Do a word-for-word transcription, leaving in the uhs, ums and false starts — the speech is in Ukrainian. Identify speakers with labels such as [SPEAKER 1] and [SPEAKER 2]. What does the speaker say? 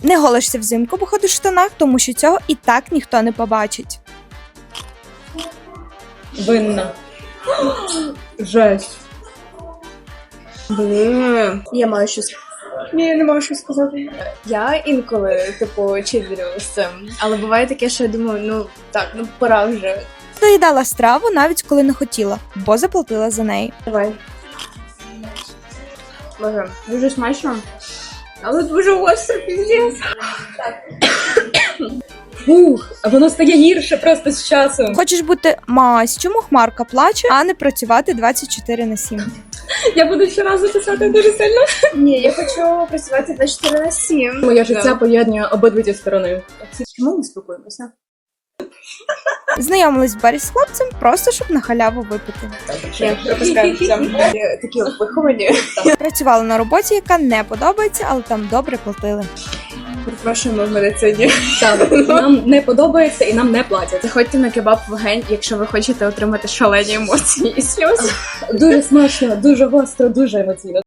[SPEAKER 1] Не голишся взимку, бо ходиш в штанах, тому що цього і так ніхто не побачить.
[SPEAKER 2] Винна. Жесть.
[SPEAKER 3] Блін, я маю щось.
[SPEAKER 2] Ні, я не можу що сказати.
[SPEAKER 3] Я інколи, типу, чилю з цим. Але буває таке, що я думаю, ну так, ну пора вже.
[SPEAKER 1] Доїдала страву навіть коли не хотіла, бо заплатила за неї.
[SPEAKER 3] Давай. Боже, дуже смачно. Але дуже гостро, піздець.
[SPEAKER 2] Фух, а воно стає гірше просто з часом.
[SPEAKER 1] Хочеш бути мась, чому Хмарка плаче, а не працювати двадцять чотири на сім?
[SPEAKER 2] Я буду щоразу писати дуже сильно.
[SPEAKER 3] Ні, я хочу працювати двадцять чотири на сім.
[SPEAKER 2] Моє життя поєднує обидві ті сторони.
[SPEAKER 3] Чому ми спілкуємося?
[SPEAKER 1] Знайомились в барі з хлопцем, просто щоб на халяву випити.
[SPEAKER 3] Я пропускаю такі виховані.
[SPEAKER 1] Працювала на роботі, яка не подобається, але там добре платили.
[SPEAKER 3] Перепрошуємо в медицині.
[SPEAKER 2] Так, нам не подобається і нам не платять.
[SPEAKER 3] Заходьте на кебаб Вогень, якщо ви хочете отримати шалені емоції і сльози.
[SPEAKER 2] Дуже смачно, дуже гостро, дуже емоційно.